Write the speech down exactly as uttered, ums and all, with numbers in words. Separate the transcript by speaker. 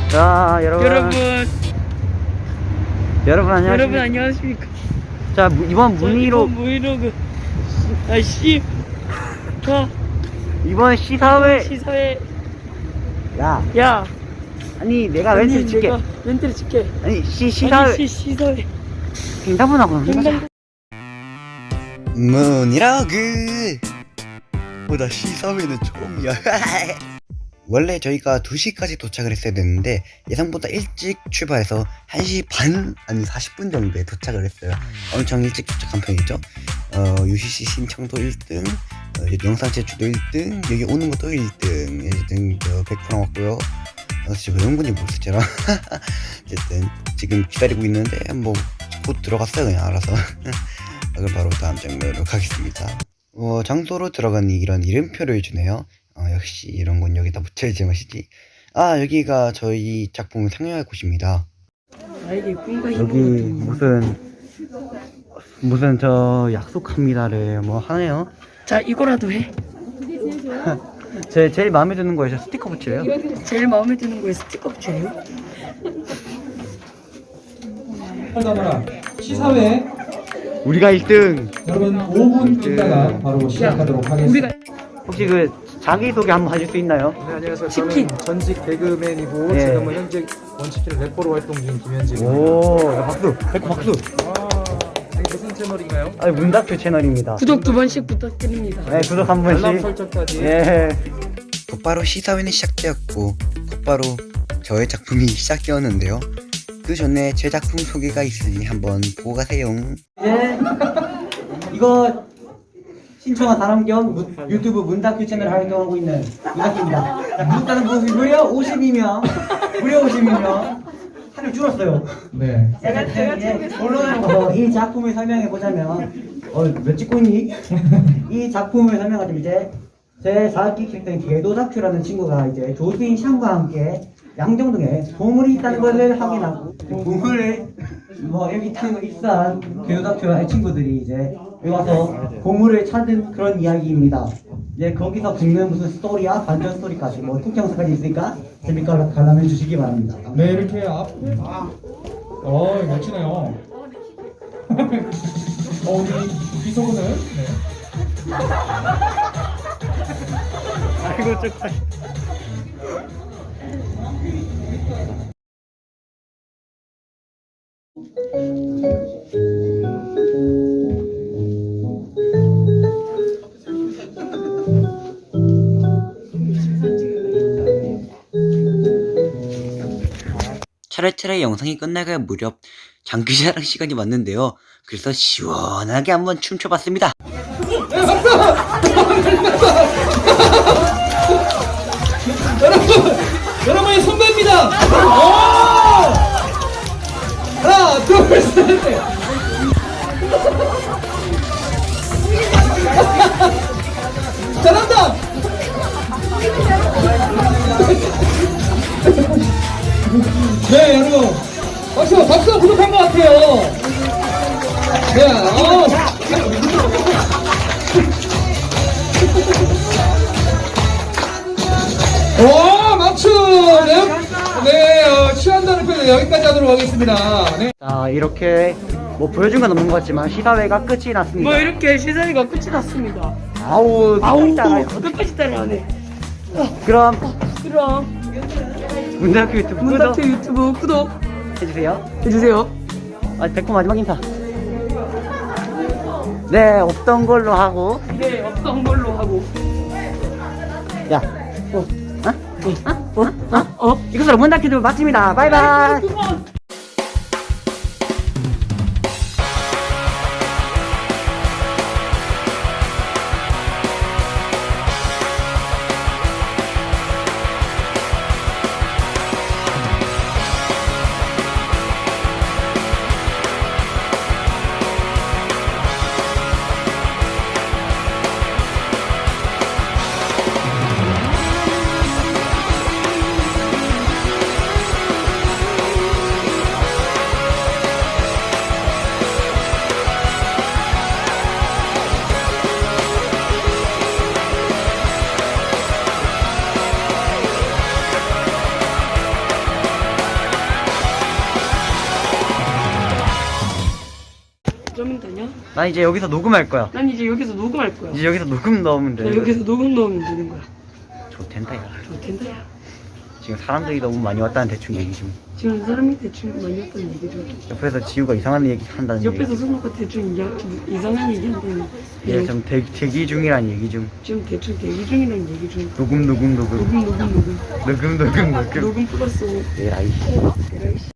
Speaker 1: 자, 여러분.
Speaker 2: 여러분,
Speaker 1: 여러분 안녕하십니까?
Speaker 2: 여러분 안녕하십니까?
Speaker 1: 자, 무- 이번
Speaker 2: 저
Speaker 1: 문의로
Speaker 2: 이번 브이로그 아씨 가
Speaker 1: 이번 시사회
Speaker 2: 시사회
Speaker 1: 야,
Speaker 2: 야
Speaker 1: 아니 내가
Speaker 2: 아니,
Speaker 1: 멘트를 칠게.
Speaker 2: 내가 멘트를 칠게.
Speaker 1: 아니 시 시사회
Speaker 2: 아니 시 시사회
Speaker 1: 횡단문하고 하자.
Speaker 2: 횡단
Speaker 3: 문이라그 보다 시사회는 처음이야. 원래 저희가 두 시까지 도착을 했어야 됐는데 예상보다 일찍 출발해서 한 시 반 아니 사십 분 정도에 도착을 했어요. 엄청 일찍 도착한 편이죠. 어, 유씨씨 신청도 일 등, 어, 영상 제출도 일 등, 여기 오는 것도 일 등, 일 등 저 백 퍼센트 왔고요. 어, 지금 왜 연군이 모르겠잖아. 어쨌든 지금 기다리고 있는데 뭐 곧 들어갔어요 그냥 알아서. 그럼 바로 다음 장면으로 가겠습니다. 어, 장소로 들어가니 이런 이름표를 주네요. 어, 역시 이런 건 여기다 붙여야지 맛이지. 아, 여기가 저희 작품을 상영할 곳입니다.
Speaker 2: 나에게 꿈과
Speaker 1: 여기
Speaker 2: 희망을
Speaker 1: 무슨 무슨 저 약속합니다를 뭐 하네요.
Speaker 2: 자 이거라도 해.
Speaker 1: 제 제일 마음에 드는 거에서 스티커 붙여요.
Speaker 2: 제일 마음에 드는 거에 스티커 붙여요.
Speaker 4: 하다보라 시사회
Speaker 1: 우리가 일 등.
Speaker 4: 여러분 오 분 있다가 바로 시작하도록 하겠습니다.
Speaker 2: 우리가
Speaker 1: 혹시 그 자기 소개 한번 해줄 수 있나요?
Speaker 5: 네, 안녕하세요.
Speaker 2: 치킨.
Speaker 5: 저는 전직 개그맨이고
Speaker 1: 네.
Speaker 5: 지금은 현재 원치킨 래퍼로 활동 중인 김현진입니다.
Speaker 1: 오, 야, 박수, 백호 박수.
Speaker 5: 아, 이게 무슨 채널인가요?
Speaker 1: 아니 문다큐 채널입니다.
Speaker 2: 구독 두 번씩 부탁드립니다.
Speaker 1: 네, 구독 한
Speaker 5: 알람
Speaker 1: 번씩.
Speaker 5: 설정까지.
Speaker 1: 예.
Speaker 3: 곧바로 시사회는 시작되었고 곧바로 저의 작품이 시작되었는데요. 그 전에 제 작품 소개가 있으니 한번 보고 가세요.
Speaker 1: 예. 이거 신청한 사람 겸 무- 유튜브 문다큐 채널 활동하고 있는 문다큐입니다. 구독자는 무- 무려 오십이 명, 무려 오십이 명. 하늘 줄었어요.
Speaker 4: 네.
Speaker 1: 제가 제가 물론 이 작품을 설명해 보자면 어몇 찍고 있니? 이 작품을 설명하자면 이제 제 사 학기 캐릭터인 개도다큐라는 친구가 이제 조수인 샹과 함께 양정동에 보물이 있다는 것을 확인하고 보물을 뭐 여기 있다는 걸 입사한 개도다큐의 친구들이 이제 여기 와서 보물을 찾은 그런 이야기입니다. 이제 거기서 붙는 무슨 스토리야 반전 스토리까지 뭐 통장사까지 있으니까 재밌게 관람해 주시기 바랍니다.
Speaker 4: 네, 이렇게 앞. 어, 멋지네요. 어, 우리 비서분은 네.
Speaker 1: 아이고 저
Speaker 3: 차례차례 영상이 끝나갈 무렵 장기자랑 시간이 왔는데요. 그래서 시원하게 한번 춤춰봤습니다.
Speaker 4: 여러분의 선배입니다. 오! 하나, 둘, 셋, 넷. 잘한다. 네, 여러분. 박수, 박수 부족한 것 같아요. 네, 어. 오, 막춤! 네, 네 어, 취한다는 표현 여기까지 하도록 하겠습니다. 네.
Speaker 1: 자 이렇게 뭐 보여준 건 없는 것 같지만 시사회가 끝이 났습니다.
Speaker 2: 뭐 이렇게 시사회가 끝이 났습니다.
Speaker 1: 아우
Speaker 2: 아우
Speaker 1: 진짜
Speaker 2: 끝까지 따라하네.
Speaker 1: 그럼
Speaker 2: 그럼
Speaker 1: 문다큐 유튜브
Speaker 2: 문다큐
Speaker 1: 구독
Speaker 2: 유튜브 구독
Speaker 1: 해주세요.
Speaker 2: 해주세요.
Speaker 1: 아 백호 마지막 인사. 네 없던 걸로 하고
Speaker 2: 네 없던 걸로 하고.
Speaker 1: 야 어? 어? 어? 어? 어? 이것으로 문다큐 유튜브 마칩니다. 바이바이.
Speaker 2: 그만.
Speaker 1: 난 이제 여기서 녹음할 거야.
Speaker 2: 난 이제 여기서 녹음할 거야.
Speaker 1: 이제 여기서 녹음 넣으면 돼.
Speaker 2: 나 여기서 녹음 넣으면 되는 거야.
Speaker 1: 좋텐다 야.
Speaker 2: 좋텐다 야.
Speaker 1: 지금 사람들이 너무 많이 왔다는 대충 얘기 좀.
Speaker 2: 지금 사람이 대충 많이 했다는 얘기 좀.
Speaker 1: 옆에서 지우가 이상한 얘기 한다는
Speaker 2: 옆에서
Speaker 1: 얘기.
Speaker 2: 손오가 대충 이야, 이상한 얘기 한다는.
Speaker 1: 얘 지금 대, 대기 중이란 얘기 중.
Speaker 2: 지금 대충 대기 중이라는 얘기 중.
Speaker 1: 녹음 녹음 녹음
Speaker 2: 녹음 녹음 녹음.
Speaker 1: 녹음 녹음 녹음.
Speaker 2: 녹음 플러스 오.
Speaker 1: 에라이.
Speaker 2: 에라이 씨.